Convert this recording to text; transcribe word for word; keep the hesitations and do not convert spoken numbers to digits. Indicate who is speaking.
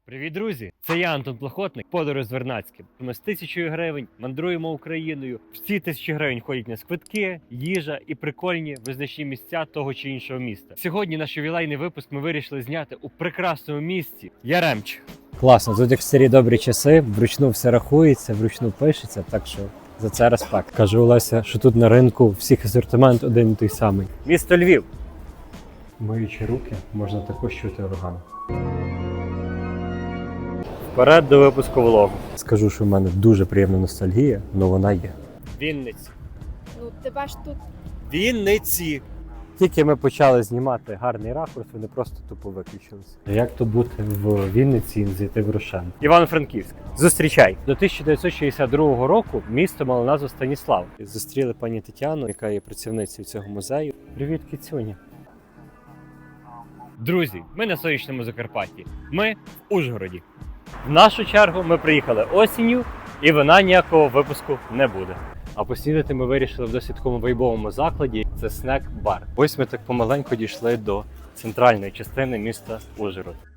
Speaker 1: Привіт, друзі! Це я, Антон Плохотник, подорож з Вернадським. Ми з тисячою гривень мандруємо Україною. В ці тисячі гривень ходять на квитки, їжа і прикольні визначні місця того чи іншого міста. Сьогодні наш ювілейний випуск ми вирішили зняти у прекрасному місті Яремч.
Speaker 2: Класно, тут як в старі добрі часи, вручну все рахується, вручну пишеться, так що за це респект. Каже Олеся, що тут на ринку всіх асортимент один і той самий.
Speaker 1: Місто Львів.
Speaker 2: Миючи руки, можна також чути орган.
Speaker 1: Вперед до випуску влогу.
Speaker 2: Скажу, що в мене дуже приємна ностальгія, але вона є.
Speaker 1: Вінниці.
Speaker 3: Ну, тебе ж тут
Speaker 1: Вінниці.
Speaker 2: Тільки ми почали знімати гарний ракурс, вони просто тупо виключилися. Як то бути в Вінниці і не зайти в Рошен?
Speaker 1: Івано-Франківськ. Зустрічай.
Speaker 2: До тисяча дев'ятсот шістдесят другого року місто мало назву Станіслав. Зустріли пані Тетяну, яка є працівницею цього музею. Привіт, кицюня.
Speaker 1: Друзі, ми на сонячному Закарпатті. Ми в Ужгороді. В нашу чергу ми приїхали осінню, і вона ніякого випуску не буде.
Speaker 2: А поснідати ми вирішили в досить такому вайбовому закладі. Це снек-бар. Ось ми так помаленьку дійшли до центральної частини міста Ужгород.